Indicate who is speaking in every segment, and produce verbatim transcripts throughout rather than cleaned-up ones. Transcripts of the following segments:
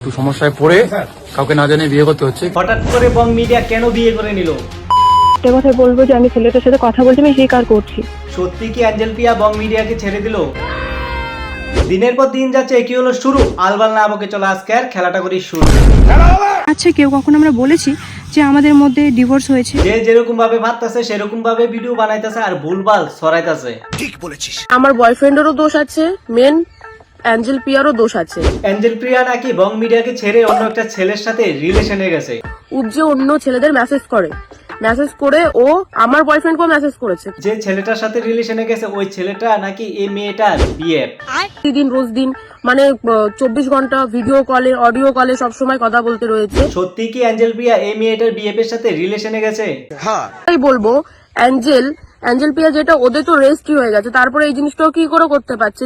Speaker 1: একটু সমস্যায় পড়ে কাউকে না জানিয়ে বিয়ে করতে হচ্ছে।
Speaker 2: হঠাৎ করে বং মিডিয়া কেন বিয়ে করে নিল?
Speaker 3: একটা কথা বলবো যে আমি ছেলেটার সাথে কথা বলছি, আমি স্বীকার করছি।
Speaker 2: সত্যি কি অ্যাঞ্জেল প্রিয়া বং মিডিয়াকে ছেড়ে দিল? দিনের পর দিন যাচ্ছে, কি হলো শুরু? আলবাল না বকে চলো আজকে আর খেলাটা করি শুরু।
Speaker 3: আচ্ছা, কেউ কখন আমরা বলেছি যে আমাদের মধ্যে ডিভোর্স হয়েছে?
Speaker 2: যে যেরকম ভাবে ভাবতেছে সেরকম ভাবে ভিডিও বানাইতেছে আর ভুলভাল ছড়াইতেছে।
Speaker 4: ঠিক বলেছিস।
Speaker 5: আমার বয়ফ্রেন্ডেরও দোষ আছে, মেন অ্যাঞ্জেল প্রিয়ারও দোষ আছে।
Speaker 2: অ্যাঞ্জেল প্রিয়া নাকি বং মিডিয়াকে ছেড়ে অন্য একটা ছেলের সাথে রিলেশনে গেছে।
Speaker 5: উপ যে অন্য ছেলেদের মেসেজ করে মেসেজ করে ও আমার বয়ফ্রেন্ডকেও মেসেজ করেছে।
Speaker 2: যে ছেলেটার সাথে রিলেশনে গেছে ওই ছেলেটা নাকি এই মেয়েটার বিয়ে।
Speaker 5: প্রতিদিন রোজ দিন মানে চব্বিশ ঘন্টা ভিডিও কলে অডিও কলে সবসময় কথা বলতে রয়েছে।
Speaker 2: সত্যি কি অ্যাঞ্জেল প্রিয়া এই মেয়েটার বিএফের সাথে রিলেশনে গেছে?
Speaker 4: হ্যাঁ,
Speaker 5: তাই বলবো অ্যাঞ্জেল অ্যাঞ্জেল প্রিয়া যেটা ওদের তো রেস্টই হয়ে গেছে, তারপরে এই জিনিসটাও কি করে করতে পারছে?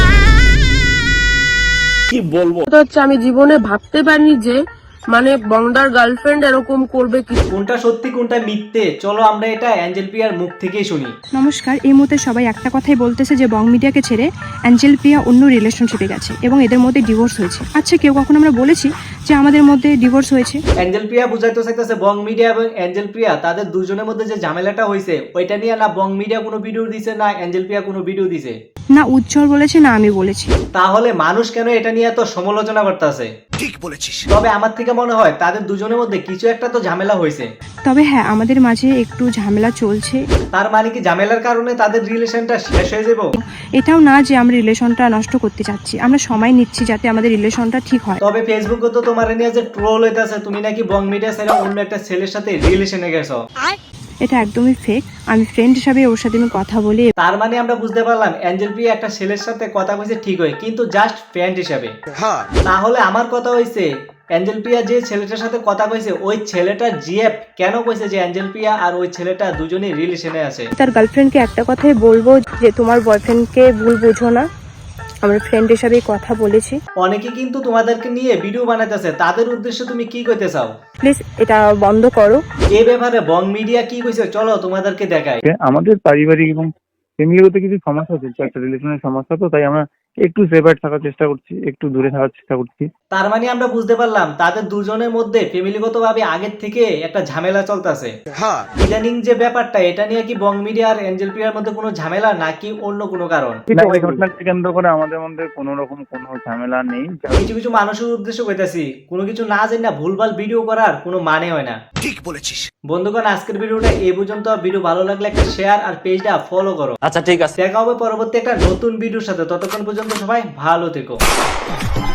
Speaker 4: কি বলবো,
Speaker 5: এটা হচ্ছে আমি জীবনে ভাবতে পারিনি যে মানে বংডার গার্লফ্রেন্ড এরকম করবে কি।
Speaker 2: কোনটা সত্যি কোনটা মিথ্যে চলো আমরা এটা অ্যাঞ্জেল প্রিয়ার মুখ থেকেই শুনি।
Speaker 3: নমস্কার। এই মুহূর্তে সবাই একটা কথাই বলতেছে যে বং মিডিয়াকে ছেড়ে অ্যাঞ্জেল প্রিয়া অন্য রিলেশনশিপে গেছে এবং এদের মধ্যে ডিভোর্স হয়েছে। আচ্ছা, কেউ কখন আমরা বলেছি যে আমাদের মধ্যে ডিভোর্স হয়েছে?
Speaker 2: অ্যাঞ্জেল প্রিয়া বুঝাইতে চাইতেছে বং মিডিয়া এবং অ্যাঞ্জেল প্রিয়া তাদের দুজনের মধ্যে যে ঝামেলাটা হয়েছে ওইটা নিয়ে না বং মিডিয়া কোনো ভিডিও দিছে না অ্যাঞ্জেল প্রিয়া কোনো ভিডিও দিছে।
Speaker 3: না উজ্জ্বল বলেছে না আমি বলেছি।
Speaker 2: তাহলে মানুষ কেন এটা নিয়ে এত সমালোচনা করতেছে?
Speaker 4: ঠিক বলেছিস।
Speaker 2: তবে আমার থেকে মনে হয় তাদের দুজনের মধ্যে কিছু একটা তো ঝামেলা হয়েছে।
Speaker 3: তবে হ্যাঁ, আমাদের মাঝে একটু ঝামেলা চলছে।
Speaker 2: তার মানে কি ঝামেলার কারণে তাদের রিলেশনটা শেষ হয়ে যাবে?
Speaker 3: এটাও না যে আমরা রিলেশনটা নষ্ট করতে চাচ্ছি, আমরা সময় নিচ্ছি যাতে আমাদের রিলেশনটা ঠিক হয়।
Speaker 2: তবে ফেসবুকে তো তোমার নিয়ে যে ট্রোল হইতাছে তুমি নাকি বং মিডিয়া ছেড়ে অন্য একটা ছেলের সাথে রিলেশনে গেছো।
Speaker 3: এটা একদমই ফেক। আমি ফ্রেন্ড হিসাবে ওর সাথে আমি কথা বলি।
Speaker 2: তার মানে আমরা বুঝতে পারলাম অ্যাঞ্জেল প্রিয়া একটা ছেলের সাথে কথা কইছে ঠিক হয়, কিন্তু জাস্ট ফ্রেন্ড হিসাবে।
Speaker 4: হ্যাঁ,
Speaker 2: তাহলে আমার কথা হইছে অ্যাঞ্জেল প্রিয়া যে ছেলেটার সাথে কথা কইছে ওই ছেলেটার জিএফ কেন কইছে যে অ্যাঞ্জেল প্রিয়া আর ওই ছেলেটা দুজনেই রিলেশনে আছে?
Speaker 3: তার গার্লফ্রেন্ডকে একটা কথাই বলবো যে তোমার বয়ফ্রেন্ডকে ভুল বোঝো না, আমরা ফ্রেন্ড হিসাবে কথা বলেছি।
Speaker 2: অনেকে কিন্তু তোমাদেরকে নিয়ে ভিডিও বানাইতেছে, তাদের উদ্দেশ্যে তুমি কি কইতে চাও?
Speaker 3: প্লিজ এটা বন্ধ করো।
Speaker 2: এই ব্যাপারে বং মিডিয়া কি কইছে চলো তোমাদেরকে দেখাই।
Speaker 1: আমাদের পারিবারিক এবং ফ্যামিলিগত কিছু সমস্যা চলছে, একটা রিলেশনের সমস্যা, তো তাই আমরা একটু সেপারেট থাকার চেষ্টা করছি, একটু দূরে থাকার চেষ্টা করছি।
Speaker 2: তার মানে আমরা বুঝতে পারলাম তাদের দুজনের মধ্যে ফ্যামিলিগত ভাবে আগের থেকে একটা ঝামেলা চলতেছে।
Speaker 4: হ্যাঁ,
Speaker 2: ইদানিং যে ব্যাপারটা এটা নিয়ে কি বং মিডিয়া আর অ্যাঞ্জেল প্রিয়ার মধ্যে কোনো ঝামেলা নাকি অন্য কোনো কারণ?
Speaker 1: না, এই ঘটনাকে কেন্দ্র করে আমাদের মধ্যে কোনো রকম কোনো ঝামেলা নেই।
Speaker 2: কিছু কিছু মানুষের উদ্দেশ্য কইতাছি, কোনো কিছু না জানি না ভুলভাল ভিডিও করার কোনো মানে হয় না।
Speaker 4: ঠিক বলেছিস।
Speaker 2: বন্ধুগণ, আজকের ভিডিওটা এই পর্যন্ত। ভিডিও ভালো লাগলে একটা শেয়ার আর পেজটা ফলো করো।
Speaker 4: আচ্ছা ঠিক আছে,
Speaker 2: দেখা হবে পরবর্তী একটা নতুন ভিডিওর সাথে। ততক্ষণ পর্যন্ত সবাই ভালো থেকো।